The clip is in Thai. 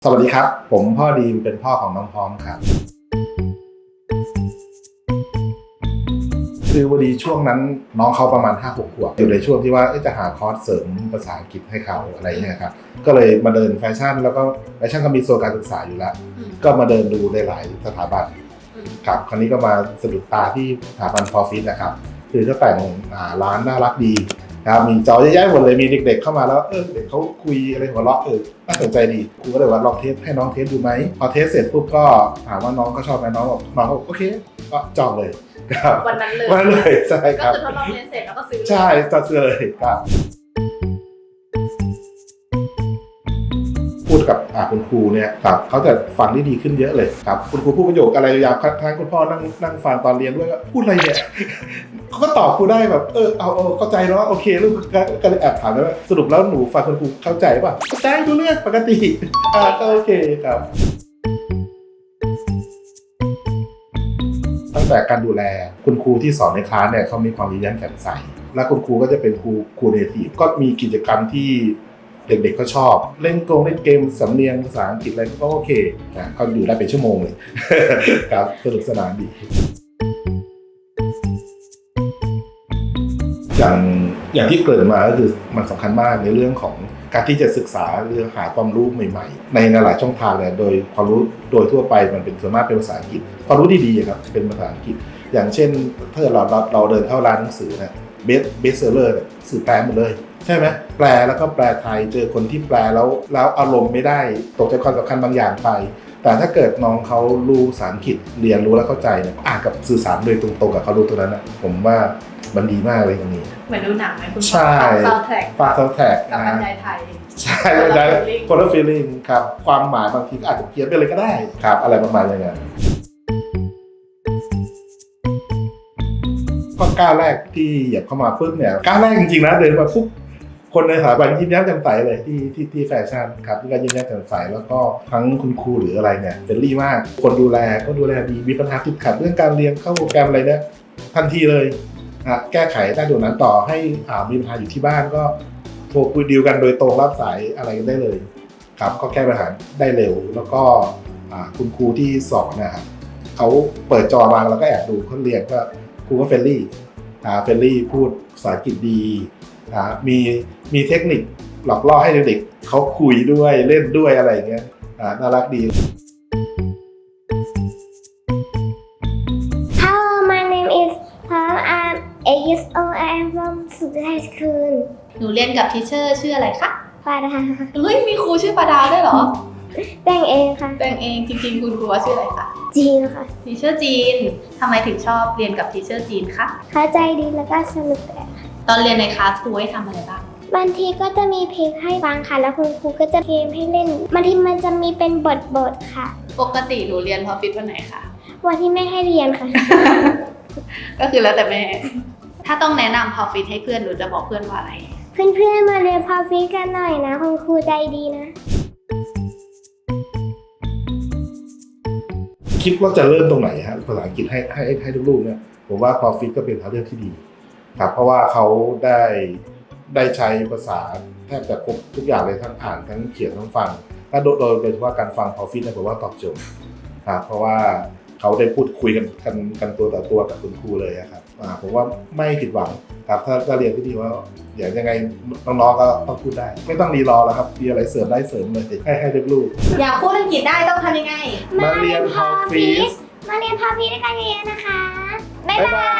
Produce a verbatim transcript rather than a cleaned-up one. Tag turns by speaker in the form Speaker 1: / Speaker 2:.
Speaker 1: สวัสดีครับผมพ่อดีมเป็นพ่อของน้องพร้อมครับคือพอดีช่วงนั้นน้องเขาประมาณ ห้าหก ขวบอยู่ในช่วงที่ว่าจะหาคอร์สเสริมภาษาอังกฤษให้เขาอะไรเงี้ยครับก็เลยมาเดินแฟชั่นแล้วก็แฟชั่นก็มีโซนการศึกษาอยู่แล้วก็มาเดินดูในหลายสถาบันครับคราวนี้ก็มาสะดุดตาที่สถาบัน Forfeit นะครับคือเขาแต่งร้านน่ารักดีครับมีจอเยอะแยะหมดเลยมีเด็กๆเข้ามาแล้วเออเด็กเขาคุยอะไรหัวเราะเออน่าสนใจดีครูก็เลยว่าลองเทสให้น้องเทสดูไหมพอเทสเสร็จปุ๊บก็ถามว่าน้องก็ชอบไหมน้องบอกน้องบอกโอเคก็จองเลยครับ
Speaker 2: วันนั้นเลย
Speaker 1: วันนั้นเลยใช่ครับ
Speaker 2: ก็คือทดลองเรียนเสร็จแล้วก็ซื้อ
Speaker 1: ใช่จะซื้อเลยครับพูดกับคุณครูเนี่ยครับเขาจะฟังได้ดีขึ้นเยอะเลยครับคุณครูพูดประโยคอะไรยาวๆทั้งคุณพ่อนั่งนั่งฟังตอนเรียนด้วยก็พูดอะไรเนี่ยเขาก็ตอบครูได้แบบเออเอาเอาเข้าใจแล้วโอเคลูกก็เลยแอบถามว่าสรุปแล้วหนูฟังคุณครูเข้าใจป่ะเข้าใจรู้เรื่องปกติอ่าก็โอเคครับตั้งแต่การดูแลคุณครูที่สอนในคลาสเนี่ยเขามีความยิ้มแย้มแจ่มใสและคุณครูก็จะเป็นครูครูเนทีฟก็มีกิจกรรมที่เด็กๆก็ชอบเล่นโกงเล่นเกมสำเนียงภาษาอังกฤษอะไรก็โอเคนะเขาอยู่ได้เป็นชั่วโมงเลย ครับสนุกสนานดีอย่างอย่างที่เกริ่นมาก็คือมันสำคัญมากในเรื่องของการที่จะศึกษาเรื่องหาความรู้ใหม่ๆในหลายช่องทางเนี่ยโดยความรู้โดยทั่วไปมันเป็นส่วนมากเป็นภาษาอังกฤษความรู้ดีๆครับเป็นภาษาอังกฤษอย่างเช่นถ้าเราเราเราเดินเข้าร้านหนังสือเนี่ยเบสเบสเซอร์เลอร์เนี่ยสื่อแปลหมดเลยใช่ไหมแปลแล้วก็แปลไทยเจอคนที่แปลแล้วแล้วอารมณ์ไม่ได้ตกใจความสำคัญบางอย่างไปแต่ถ้าเกิดน้องเขารู้ภาษาอังกฤษเรียนรู้แล้วเข้าใจเนี่ยอ่านกับสื่อสารโดยตรงๆกับเขารู้ตัวนั้นนะผมว่ามันดีมากเลยตรงนี้
Speaker 2: เหมือนดูหนังไหมคุณพ่อ
Speaker 1: ใช่
Speaker 2: ซาวด์แทร็ก
Speaker 1: ฝากซาวด์แทร็ก
Speaker 2: กับบรรยายไทย
Speaker 1: ใช่บรรยายคนละฟีลลิ่งครับความหมายบางทีก็อาจจะเพี้ยนไปเลยก็ได้ครับอะไรประมาณอย่างนั้นก็ก้าวแรกที่เหยียบเข้ามาปุ๊บเนี่ยก้าวแรกจริงๆนะเดินมาปุ๊บคนในสถาบันยิ้มแย้มแจ่มใสเลยที่ที่ที่แฟชั่นครับที่ก็ยิ้มแย้มแจ่มใสแล้วก็ทั้งคุณครูหรืออะไรเนี่ยเฟรนลี่มากคนดูแลก็ดูแลดีมีปัญหาติดขัดเรื่องการเรียนเข้าโปรแกรมอะไรเนี่ยทันทีเลยแก้ไขได้ด่วนนั้นต่อให้มีปัญหาอยู่ที่บ้านก็โทรคุยดีลกันโดยตรงรับสายอะไรกันได้เลยครับก็แก้ปัญหาได้เร็วแล้วก็คุณครูที่สอนนะครับเขาเปิดจอมาแล้วก็แอบดูเขาเรียนก็ครูก็เฟรนลี่เฟรนลี่พูดภาษาอังกฤษดีมีมีเทคนิคหลอกล่อให้เด็กๆเขาคุยด้วยเล่นด้วยอะไรอย่างเงี้ยน่ารักดี
Speaker 3: Hello, my name is Pam. I'm eight years old. I am from Sudan High School.
Speaker 2: หนูเรียนกับทีเชอร์ชื่ออะไรคะ
Speaker 3: ปาดา
Speaker 2: เฮ้ยมีครูชื่อปาดาด้วยเหรอ
Speaker 3: แต่งเองค่ะ
Speaker 2: แต่งเองจริงๆคุณครูว่าชื่ออะไรคะ
Speaker 3: จีนค่ะ
Speaker 2: ทีเชอร์จีนทำไมถึงชอบเรียนกับทีเชอร์จีนคะ
Speaker 3: เข้าใจดีแล้วก็สนุกค่ะ
Speaker 2: ตอนเรียนในคลาสครูให้ทำอะไรบ้าง
Speaker 3: บางทีก็จะมีเพลงให้ฟังค่ะแล้วคุณครูก็จะเกมให้เล่นบางทีมันจะมีเป็นบทบทค่ะ
Speaker 2: ปกติหนูเรียนพอฟิตวันไหนคะ
Speaker 3: วันที่ไม่ให้เรียนค่ะ
Speaker 2: ก็คือแล้วแต่แม่ถ้าต้องแนะนำพอฟิตให้เพื่อนหนูจะบอกเพื่อนว่าอะไร
Speaker 3: เพื่อนๆมาเรียนพอฟิตกันหน่อยนะคุณครูใจดีนะ
Speaker 1: คิดว่าจะเริ่มตรงไหนฮะภาษาอังกฤษให้ให้ให้ลูกๆเนี่ยผมว่าพอฟิตก็เป็นทางเลือกที่ดีครับเพราะว่าเขาได้ได้ใช้ภาษาแทบจะครบทุกอย่างเลยทั้งอ่านทั้งเขียนทั้งฟังและโดยโดยเฉพาะการฟังพอฟิตเนี่ยผมว่าตอบโจทย์ครับเพราะว่าเขาได้พูดคุยกันกันกันตัวต่อตัวกับคุณครูเลยครับผมว่าไม่ผิดหวังครับถ้าถ้าเรียนที่ดีว่าอย่างยังไงน้องๆก็ต้องพูดได้ไม่ต้องรีรอแล้วครับมีอะไรเสริมได้เสริมเลยให้ให้ลูก
Speaker 2: ๆอยากพูดอังกฤษได้ต้องทำยังไง
Speaker 1: มาเรียนพอฟิต
Speaker 3: มาเรียนพอฟิตด้วยกันเยอะๆนะคะบ๊ายบาย